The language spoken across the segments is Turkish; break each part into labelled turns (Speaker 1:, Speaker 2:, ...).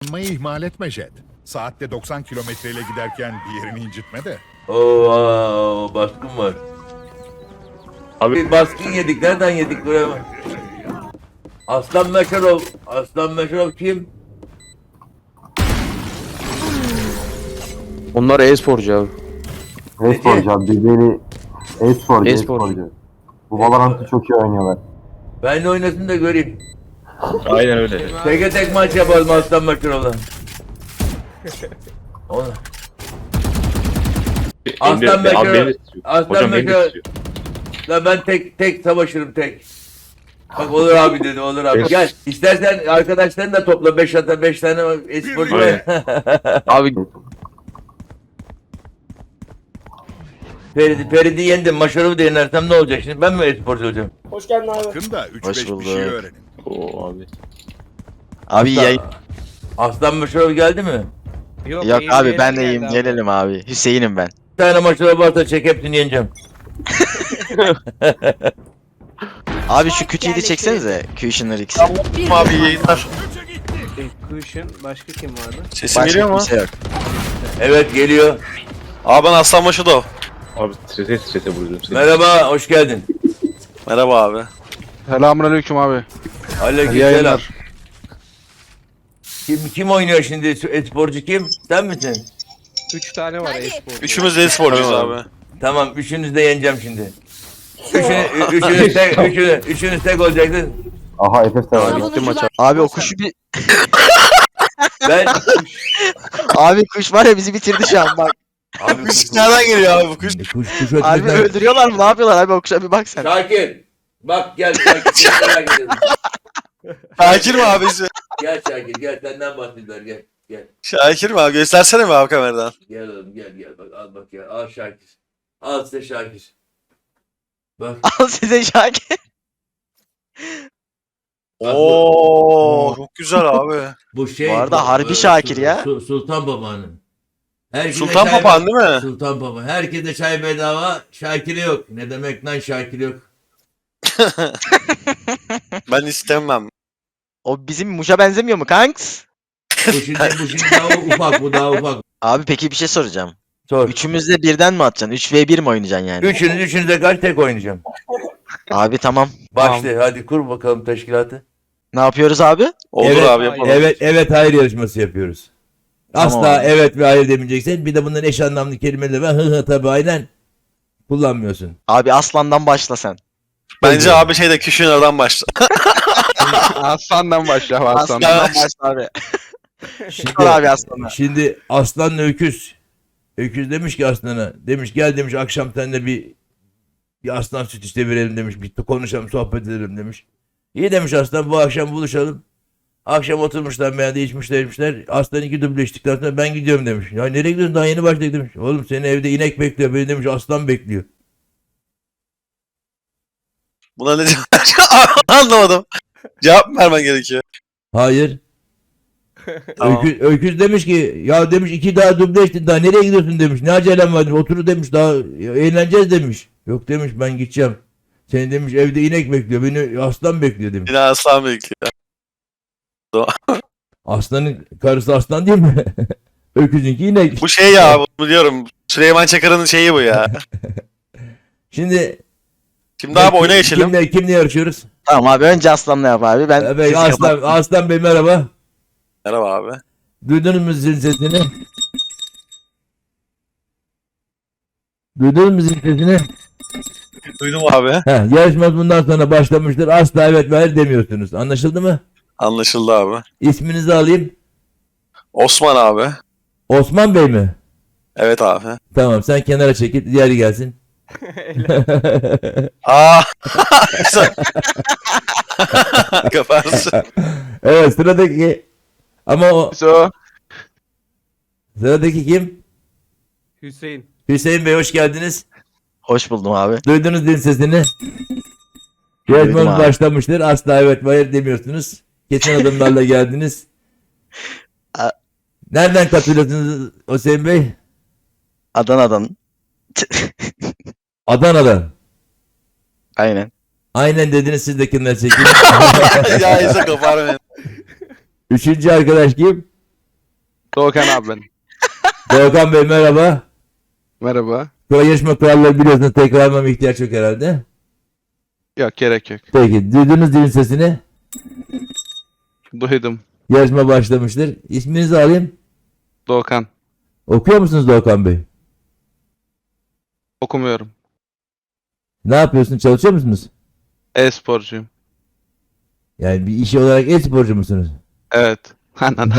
Speaker 1: Isınmayı ihmal etme Jet. Saatte 90 kilometreyle giderken bir yerini incitme de.
Speaker 2: Oo, baskın var. Abi baskın yedik. Nereden yedik buraya? Aslan Meşerov. Aslan Meşerov kim?
Speaker 3: Onlar e-sporcu abi.
Speaker 4: E-sporcu abi birbirini e-sporcu,
Speaker 3: E-sporcu.
Speaker 4: e-sporcu. Bu Valorant'ı çok iyi oynuyorlar.
Speaker 2: Ben de oynasın da göreyim.
Speaker 3: Aynen öyle.
Speaker 2: Tek tek maç yapalım Aslan Meşerov'la. Onu. Aslan Meşerov. Aslan Meşerov. La ben tek savaşırım tek. Bak olur abi dedi, olur abi. Gel istersen arkadaşlarını da topla, 5 tane esporcu var.
Speaker 3: Abi
Speaker 2: Feridi yendim. Maşarımı da yenersem ne olacak şimdi? Ben mi esporcu olacağım?
Speaker 5: Hoş geldin abi.
Speaker 1: Yakında
Speaker 3: Hoş
Speaker 1: 3-5 bir
Speaker 3: bulduk.
Speaker 1: şey öğrenin.
Speaker 3: o abi.
Speaker 6: Abi yayın
Speaker 2: Aslan Maşarov geldi mi?
Speaker 6: yok abi ben de iyiyim gelelim abi. Hüseyin'im ben.
Speaker 2: Bir tane Maşarov varsa çek, hepsini yeneceğim.
Speaker 6: Abi şu kütüğü de çeksenize. Kushner X.
Speaker 7: Abi yayınlar.
Speaker 5: Cushion, başka kim vardı?
Speaker 7: Sesim
Speaker 6: Başka
Speaker 7: geliyor mu?
Speaker 6: kimse yok.
Speaker 2: Evet geliyor.
Speaker 7: Abi ben Aslanbaşı da o.
Speaker 3: Abi strese vuruyorum seni.
Speaker 2: Merhaba, hoş geldin.
Speaker 7: Merhaba abi.
Speaker 3: Selamünaleyküm abi.
Speaker 2: Aleykümselam. Kim oynuyor şimdi? Esporcu kim? Sen misin?
Speaker 5: 3 tane var e-spor.
Speaker 7: Üçümüz de e-sporcuyuz abi.
Speaker 2: Tamam, üçünüzü de yeneceğim şimdi. Üçünüz tek olacaktı.
Speaker 4: Aha Efes de var.
Speaker 3: Bitti maç abi.
Speaker 6: Abi o kuşu bir...
Speaker 2: Ben
Speaker 6: Abi kuş var ya bizi bitirdi şu an bak.
Speaker 2: abi
Speaker 7: Kuş nereden geliyor abi bu kuş?
Speaker 2: kuş
Speaker 6: Abi
Speaker 2: ötmeden.
Speaker 6: öldürüyorlar mı? Ne yapıyorlar abi o kuşa bir bak sen.
Speaker 2: Şakir. Bak gel Şakir. Merak ediyorum.
Speaker 7: Şakir mi abi bizi?
Speaker 2: Gel Şakir gel, senden bahsediyorlar, gel. Gel.
Speaker 7: Şakir mi abi? Göstersene mi abi kameradan?
Speaker 2: Gel oğlum gel bak, al bak ya, al Şakir. Al size Şakir. Bak.
Speaker 6: Al size Şakir.
Speaker 7: Oo, çok güzel abi.
Speaker 2: Bu şey.
Speaker 6: Bu arada harbi Şakir ya.
Speaker 2: Sultan Papağan'ın. Herkese
Speaker 7: Sultan
Speaker 2: çay-
Speaker 7: Papağan değil mi?
Speaker 2: Sultan Papağan. Herkese çay bedava, Şakir'e yok. Ne demek lan Şakir yok?
Speaker 7: Ben istemem.
Speaker 6: O bizim Muş'a benzemiyor mu kanks?
Speaker 2: Bu şimdi daha ufak, bu daha ufak.
Speaker 6: Abi peki bir şey soracağım.
Speaker 2: Sor.
Speaker 6: Üçümüz de birden mi atacaksın? 3v1 mi oynayacaksın yani?
Speaker 2: Üçünüz de kaç tek oynayacağım.
Speaker 6: Abi tamam.
Speaker 2: Başla hadi, kur bakalım teşkilatı.
Speaker 6: Ne yapıyoruz abi?
Speaker 7: Olur
Speaker 2: Evet,
Speaker 7: abi yapalım.
Speaker 2: Evet hayır yarışması yapıyoruz. Asla
Speaker 6: Tamam.
Speaker 2: evet ve hayır demeyeceksin. Bir de bunların eş anlamlı kelimeleri var. Hı tabii aynen. Kullanmıyorsun.
Speaker 6: Abi aslandan başla sen.
Speaker 7: Bence abi şeyde Küşüner'den başla.
Speaker 3: Aslandan başla abi aslandan.
Speaker 6: Aslandan başla abi.
Speaker 2: Şimdi,
Speaker 6: Sor abi aslana.
Speaker 2: şimdi aslanla öküz. Öküz demiş ki aslana. Demiş gel demiş, akşam seninle bir aslan süt işte verelim demiş. Bir konuşalım, sohbet edelim demiş. İyi demiş aslan, bu akşam buluşalım. Akşam oturmuşlar, meyhanede içmişler. Aslan 2 duble içtikten sonra ben gidiyorum demiş. Ya nereye gidiyorsun, daha yeni başladık demiş. Oğlum senin evde inek bekliyor, beni demiş aslan bekliyor.
Speaker 7: Buna ne diyor? Anlamadım. Cevap vermen gerekiyor.
Speaker 2: Hayır.
Speaker 7: Tamam.
Speaker 2: Öküz demiş ki ya demiş 2 daha duble içtin, daha nereye gidiyorsun demiş. Ne acelen var demiş. Otur demiş, daha eğleneceğiz demiş. Yok demiş, ben gideceğim. Seni demiş evde inek bekliyor, beni aslan bekliyor demiş.
Speaker 7: Yine aslan bekliyor.
Speaker 2: Aslanın karısı aslan değil mi? Öküzünki inek.
Speaker 7: Bu şey ya, bu diyorum. Süleyman Çakır'ın şeyi bu ya.
Speaker 2: Şimdi
Speaker 7: Şimdi abi oyuna geçelim.
Speaker 2: Kimle yarışıyoruz?
Speaker 6: Tamam abi önce aslanla yap abi. Ben
Speaker 2: Evet,
Speaker 6: sesi kapat-
Speaker 2: Aslan Bey merhaba.
Speaker 7: Merhaba abi.
Speaker 2: Duydunuz mu zil sesini? Duydunuz mu zil sesini?
Speaker 7: Duydum abi.
Speaker 2: Yarışmamız bundan sonra başlamıştır. Asla evet ve hayır demiyorsunuz. Anlaşıldı mı?
Speaker 7: Anlaşıldı abi.
Speaker 2: İsminizi alayım.
Speaker 7: Osman abi.
Speaker 2: Osman Bey mi?
Speaker 7: Evet abi.
Speaker 2: Tamam, sen kenara çekil, diğeri gelsin.
Speaker 7: Aa. Kaparsın.
Speaker 2: Evet, sıradaki ama o
Speaker 3: So.
Speaker 2: sıradaki kim?
Speaker 5: Hüseyin.
Speaker 2: Hüseyin Bey hoş geldiniz.
Speaker 6: Hoş buldum abi.
Speaker 2: Duydunuz din sesini.
Speaker 6: Duydum
Speaker 2: Yarışmamız
Speaker 6: abi.
Speaker 2: başlamıştır. Asla evet ve hayır demiyorsunuz. Kesin adımlarla geldiniz.
Speaker 6: A-
Speaker 2: Nereden katılıyorsunuz Hüseyin Bey?
Speaker 6: Adana'dan.
Speaker 2: Adana'dan.
Speaker 6: Aynen.
Speaker 2: Aynen dediniz, siz de kenara çekil.
Speaker 7: Ya İsa kapar beni.
Speaker 2: Üçüncü arkadaş kim?
Speaker 3: Doğukan abi ben.
Speaker 2: Doğukan Bey merhaba.
Speaker 3: Merhaba.
Speaker 2: Yarışma kuralları biliyorsunuz. Tekrarlamama ihtiyaç yok herhalde.
Speaker 3: Yok gerek yok.
Speaker 2: Peki duydunuz dilin sesini.
Speaker 3: Duydum.
Speaker 2: Yarışma başlamıştır. İsminizi alayım.
Speaker 3: Doğukan.
Speaker 2: Okuyor musunuz Doğukan Bey?
Speaker 3: Okumuyorum.
Speaker 2: Ne yapıyorsunuz? Çalışıyor musunuz?
Speaker 3: E-sporcuyum.
Speaker 2: Yani bir işi olarak e-sporcu musunuz?
Speaker 3: Evet. Anan.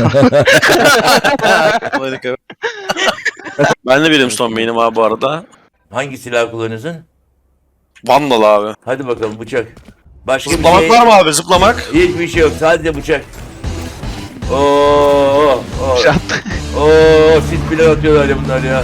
Speaker 7: Ben de Brimstone main'im abi bu arada.
Speaker 2: Hangi silah kullanıyorsun?
Speaker 7: Vandal abi.
Speaker 2: Hadi bakalım bıçak. Başka
Speaker 7: Zıplamak
Speaker 2: bir şey
Speaker 7: var mı abi? Zıplamak.
Speaker 2: Hiçbir şey yok. Sadece bıçak. Oo,
Speaker 3: Şat.
Speaker 2: siz bile atıyorlar ya bunlar ya.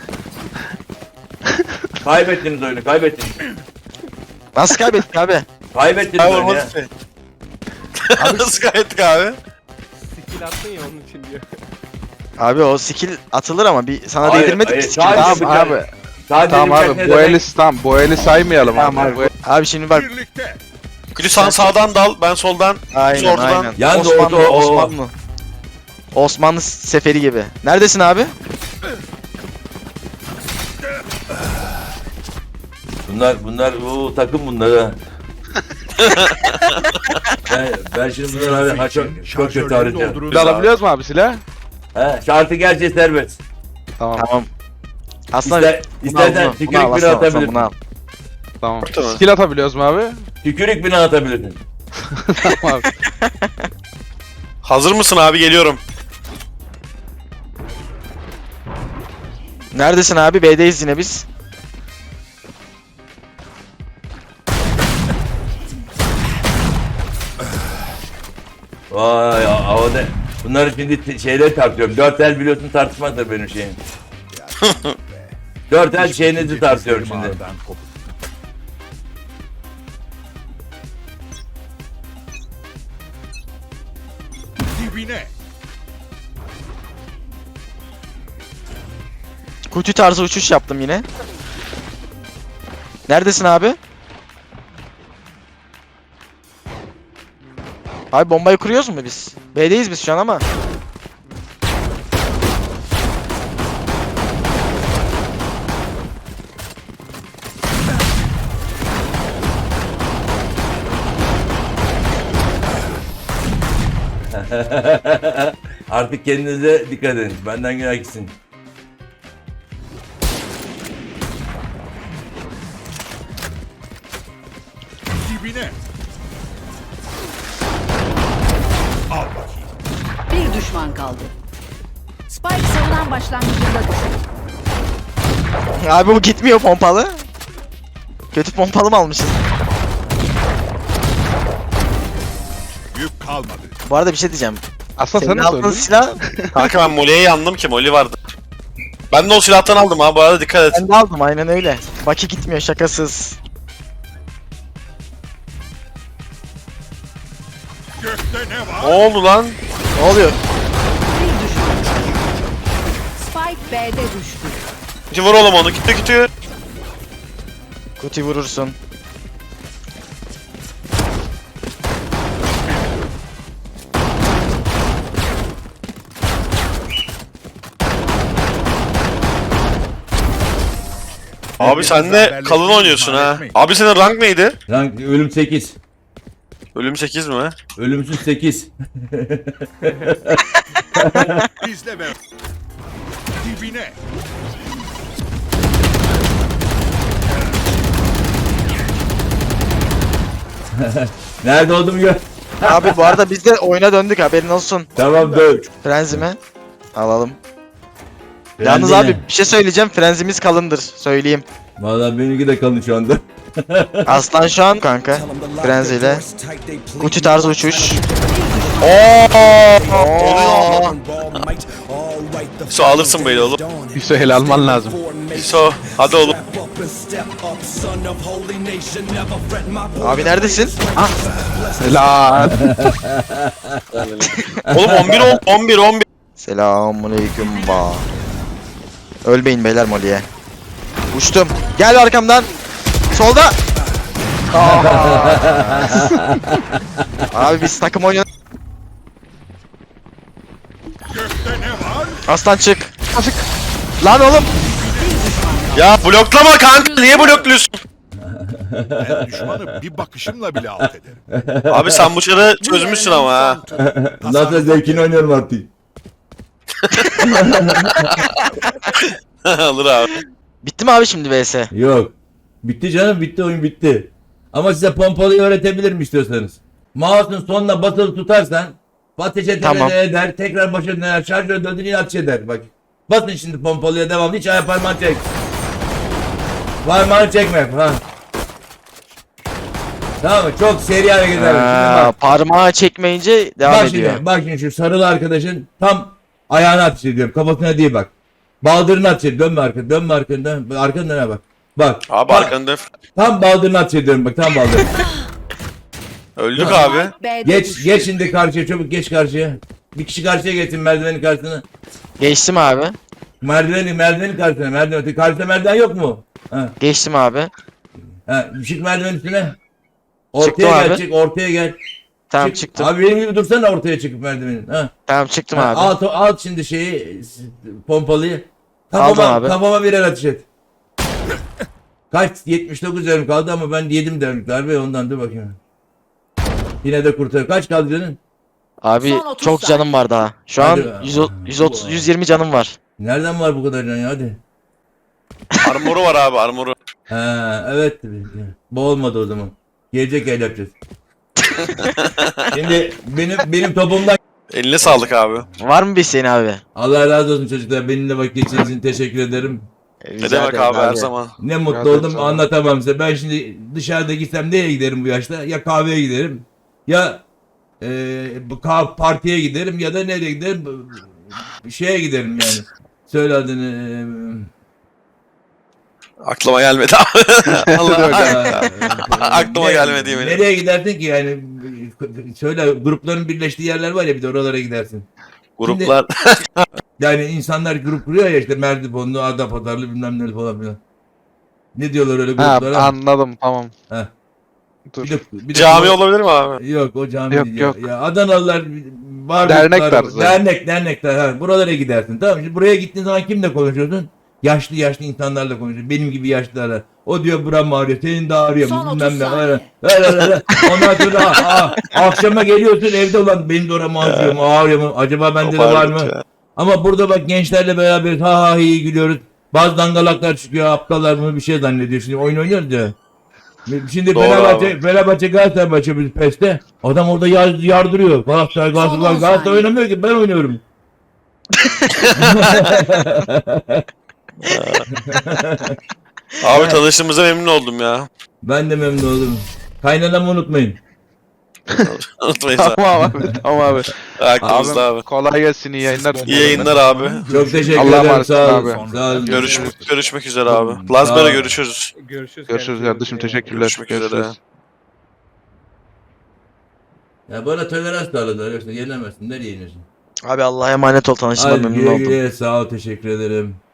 Speaker 2: Kaybettiniz oyunu, kaybettiniz.
Speaker 6: Nasıl kaybettik abi?
Speaker 2: Kaybettiniz
Speaker 7: Abi
Speaker 2: oyunu ya.
Speaker 7: olmaz ki. Nasıl kaybettik abi?
Speaker 5: Skill attın ya onun için diyor.
Speaker 6: Abi o skill atılır ama bir sana
Speaker 2: Hayır,
Speaker 6: değdirmedik
Speaker 2: hayır,
Speaker 6: ki skill.
Speaker 2: sadece
Speaker 3: Tamam
Speaker 2: bıçak.
Speaker 3: abi.
Speaker 2: Sadece
Speaker 3: Tamam
Speaker 2: bıçak
Speaker 3: abi.
Speaker 2: ne
Speaker 3: Bu
Speaker 2: demek?
Speaker 3: eli tamam. Bu eli saymayalım
Speaker 6: Tamam
Speaker 3: abi.
Speaker 6: abi.
Speaker 3: Bu eli-
Speaker 6: Abi şimdi bak.
Speaker 1: Birlikte.
Speaker 7: Külü sen sağdan dal, ben soldan.
Speaker 6: Aynen
Speaker 7: Ortadan.
Speaker 6: aynen.
Speaker 2: Yalnız
Speaker 6: Osmanlı,
Speaker 2: orada o-
Speaker 6: Osmanlı. Osmanlı seferi gibi. Neredesin abi?
Speaker 2: Bunlar o takım bunlar ha. ben şimdi bunları abi çok kötü arayacağım.
Speaker 3: Silah alabiliyoruz mu abi silah?
Speaker 2: He, şartı gerçi serbest.
Speaker 3: Tamam.
Speaker 6: Tamam. Aslında
Speaker 2: İstersen tükürük bile atabilirsin.
Speaker 6: bunu al.
Speaker 3: Tamam.
Speaker 7: Tamam.
Speaker 3: Skill atabiliyoruz mu abi?
Speaker 2: Tükürük bile atabilirsin.
Speaker 3: Tamam abi.
Speaker 7: Hazır mısın abi? Geliyorum.
Speaker 6: Neredesin abi? B'deyiz yine biz.
Speaker 2: Vay havada. Bunları şimdi şeyleri tartıyorum. 4 el biliyorsun tartışmaktır benim şeyim. 4 el şeyinizi tartıyorum şimdi.
Speaker 1: Ağırdan kopuk. Dibine.
Speaker 6: Kutu tarzı uçuş yaptım yine. Neredesin abi? Abi bombayı kuruyoruz mu biz? B'deyiz biz şu an ama.
Speaker 2: Artık kendinize dikkat edin. Benden günah gitsin.
Speaker 1: Dibine. Al bakayım.
Speaker 8: Bir düşman kaldı. Spike savunan başlangıcında düştü.
Speaker 6: Abi bu gitmiyor pompalı. Kötü pompalı mı almışız?
Speaker 1: Yük kalmadı.
Speaker 6: Bu arada bir şey diyeceğim.
Speaker 3: Aslında sen
Speaker 6: Senin
Speaker 3: nasıl
Speaker 6: aldığın
Speaker 3: öldün?
Speaker 6: silah
Speaker 7: Kanka ben Molly'ye yandım ki Molly vardı. Ben de o silahtan aldım abi. Bu arada dikkat et.
Speaker 6: ben de aldım aynen öyle. Baki gitmiyor şakasız.
Speaker 1: Gökte ne var?
Speaker 7: Ne oldu lan?
Speaker 6: Ne oluyor?
Speaker 8: Bir düşman. Spike B'de düştü.
Speaker 7: Ki vur oğlum onu. Gitti gitti.
Speaker 6: Kuti vurursun.
Speaker 7: Abi sen de kalın oynuyorsun ha. Abi senin rank neydi?
Speaker 2: Rank ölüm 8.
Speaker 7: Ölüm 8 mi?
Speaker 2: Ölümsüz 8.
Speaker 1: İzle ve dibine.
Speaker 2: Nerede olduğumu gör.
Speaker 6: Abi bu arada biz de oyuna döndük haberin olsun.
Speaker 2: Tamam döv.
Speaker 6: Frenzi mi? Alalım. Yalnız abi bir şey söyleyeceğim. Frenzimiz kalındır. Söyleyeyim.
Speaker 2: Valla benimki de kalın şu anda.
Speaker 6: Aslan şu an kanka. Frenziyle. Kuti tarzı uçuş.
Speaker 7: Oluyor. So alırsın böyle oğlum.
Speaker 3: Hüseyin alman lazım.
Speaker 7: So hadi oğlum.
Speaker 6: Abi neredesin?
Speaker 3: Helal.
Speaker 7: Oğlum 11 oldu. 11.
Speaker 6: Selamünaleyküm ba. Ölmeyin beyler Molly'e. Uçtum. Gel arkamdan. Solda. Abi biz takım oynuyoruz.
Speaker 1: Gökte ne var?
Speaker 6: Aslan çık. Çık. Lan oğlum.
Speaker 7: Ya bloklama kanka. Niye blokluyorsun?
Speaker 1: Ben düşmanı bir bakışımla bile alt ederim.
Speaker 7: Abi sen bu çarı çözmüşsün ama ha.
Speaker 2: Nasıl zevkini oynuyorum artık.
Speaker 7: Alır abi.
Speaker 6: Bitti mi abi şimdi vs?
Speaker 2: Yok. Bitti canım, bitti, oyun bitti. Ama size pompalıyı öğretebilirim istiyorsanız. Mouse'un sonuna basılı tutarsan ateşe
Speaker 6: Tamam.
Speaker 2: eder, tekrar başa döner, şarjör döndür yine ateş eder. Bak. Basın şimdi pompalıya devamlı, hiç ayağı parmağını çek. Parmağını çekme. Ha. Tamam mı? Çok seri hareketler. Şimdi bak.
Speaker 6: Parmağı çekmeyince devam
Speaker 2: Bak
Speaker 6: ediyor.
Speaker 2: şimdi, bak şimdi şu sarılı arkadaşın tam ayağına ateş ediyorum. Kafasına değil bak. Baldırına ateş ediyorum. Dönme arkana, dönme arkana, dönme. Arkana döne bak. Bak.
Speaker 7: Abi
Speaker 2: bak,
Speaker 7: arkanda
Speaker 2: tam baldırına ateş ediyorum bak, tam baldırına.
Speaker 7: öldük abi.
Speaker 8: B'de
Speaker 2: Geç,
Speaker 8: düştü.
Speaker 2: geç şimdi karşıya, çabuk geç karşıya. Bir kişi karşıya geçsin merdivenin karşısına.
Speaker 6: Geçtim abi.
Speaker 2: Merdivenin karşısına, merdiven. Karşıda merdiven yok mu? Ha,
Speaker 6: Geçtim abi.
Speaker 2: ha, çık merdivenin üstüne.
Speaker 6: Çıktım
Speaker 2: Ortaya gel,
Speaker 6: abi.
Speaker 2: çık, ortaya gel.
Speaker 6: Tamam
Speaker 2: Çık.
Speaker 6: çıktım.
Speaker 2: Abi benim gibi dursana ortaya çıkıp merdivenin. Ha.
Speaker 6: Tamam çıktım
Speaker 2: Ha,
Speaker 6: abi.
Speaker 2: al şimdi şeyi, pompalıyı.
Speaker 6: Aldım abi.
Speaker 2: Kafama birer ateş et. Kaç? 79 canım kaldı ama ben yedim derlik darbe, ondan dur bakayım. Yine de kurtar. Kaç kaldı canın?
Speaker 6: Abi
Speaker 8: Son 30
Speaker 6: çok canım var daha. Şu an
Speaker 2: Hadi.
Speaker 6: 130 120 canım var.
Speaker 2: Nereden var bu kadar can ya, hadi.
Speaker 7: Armoru var abi armoru.
Speaker 2: Ha evet. Bu olmadı o zaman. Gelecek el yapacağız. Şimdi benim topumdan
Speaker 7: Eline sağlık abi.
Speaker 6: Var mı bir senin abi?
Speaker 2: Allah razı olsun çocuklar. Benimle vakit geçirdiğiniz için teşekkür ederim.
Speaker 7: Ne
Speaker 6: Rica
Speaker 7: demek
Speaker 6: ederim
Speaker 7: abi her zaman.
Speaker 2: Ne mutlu
Speaker 3: Rica ederim
Speaker 2: oldum,
Speaker 3: sana.
Speaker 2: anlatamam size. Ben şimdi dışarıda gitsem nereye giderim bu yaşta? Ya kahveye giderim ya partiye giderim ya da nereye giderim? Şeye giderim yani. Söyle adını.
Speaker 7: Aklıma gelmedi abi. Allah. Aklıma
Speaker 2: Ne-
Speaker 7: gelmedi yemin ederim.
Speaker 2: Nereye gidersin ki yani? Söyle, grupların birleştiği yerler var ya, bir de oralara gidersin.
Speaker 7: Gruplar.
Speaker 2: Yani insanlar grup kuruyor ya, işte Merdiponlu, Adapatarlı bilmem ne falan filan. Ne diyorlar öyle
Speaker 3: Ha,
Speaker 2: gruplara?
Speaker 3: anladım tamam.
Speaker 2: Heh.
Speaker 3: Dur.
Speaker 2: Bir de
Speaker 7: Cami olabilir mi abi?
Speaker 2: Yok, o cami
Speaker 3: Yok,
Speaker 2: değil
Speaker 3: yok.
Speaker 2: ya. Adanalılar var.
Speaker 3: Dernek tarzı.
Speaker 2: Dernekler. Ha. Buralara gidersin. Tamam mı? Şimdi buraya gittiğin zaman kimle konuşuyorsun? Yaşlı insanlarla konuşuyorsun. Benim gibi yaşlılarla. O diyor buram ağrıyor. Senin de ağrıyor.
Speaker 8: Son 30
Speaker 2: Bilmem ne.
Speaker 8: saniye.
Speaker 2: Öyle. Ondan sonra akşama geliyorsun evde, olan benim de oram ağrıyor mu? Ağrıyor mu? Acaba bende de var mı?
Speaker 7: Toparladık ya.
Speaker 2: Ama burada bak, gençlerle beraber ha iyi gülüyoruz. Bazı dangalaklar çıkıyor, aptallar bunu bir şey zannediyor. Şimdi oyun oynuyoruz ya. Şimdi
Speaker 7: Doğru
Speaker 2: Fenerbahçe Galatasaray maçı bir PES'te. Adam orada yardırıyor. Galatasaray
Speaker 8: Son on saniye.
Speaker 2: oynamıyor ki, ben oynuyorum.
Speaker 7: Abi tanıştığımıza memnun oldum ya.
Speaker 2: Ben de memnun oldum. Kaynanamı unutmayın.
Speaker 7: Unutmayız abi.
Speaker 3: Tamam abi. Tamam abi.
Speaker 7: Aklımızda abi.
Speaker 3: Kolay gelsin, iyi yayınlar.
Speaker 7: İyi yayınlar abi.
Speaker 2: Çok teşekkür
Speaker 3: Allah'a
Speaker 2: ederim.
Speaker 3: emanet
Speaker 2: Sağ
Speaker 3: olun
Speaker 2: olun.
Speaker 3: abi.
Speaker 2: Sağ olun.
Speaker 7: Görüşmek üzere abi.
Speaker 2: Sağ
Speaker 7: Lazber'e
Speaker 2: ol.
Speaker 7: görüşürüz.
Speaker 5: Görüşürüz.
Speaker 3: Görüşürüz kardeşim, teşekkürler.
Speaker 7: Görüşmek üzere.
Speaker 2: Ya bana tolerans sağladılar. Yoksa yenemezsin. Nereye yenirsin?
Speaker 6: Abi Allah'a emanet ol, tanıştığıma
Speaker 2: Hadi
Speaker 6: memnun
Speaker 2: güle
Speaker 6: oldum.
Speaker 2: güle. Sağ ol. Teşekkür ederim.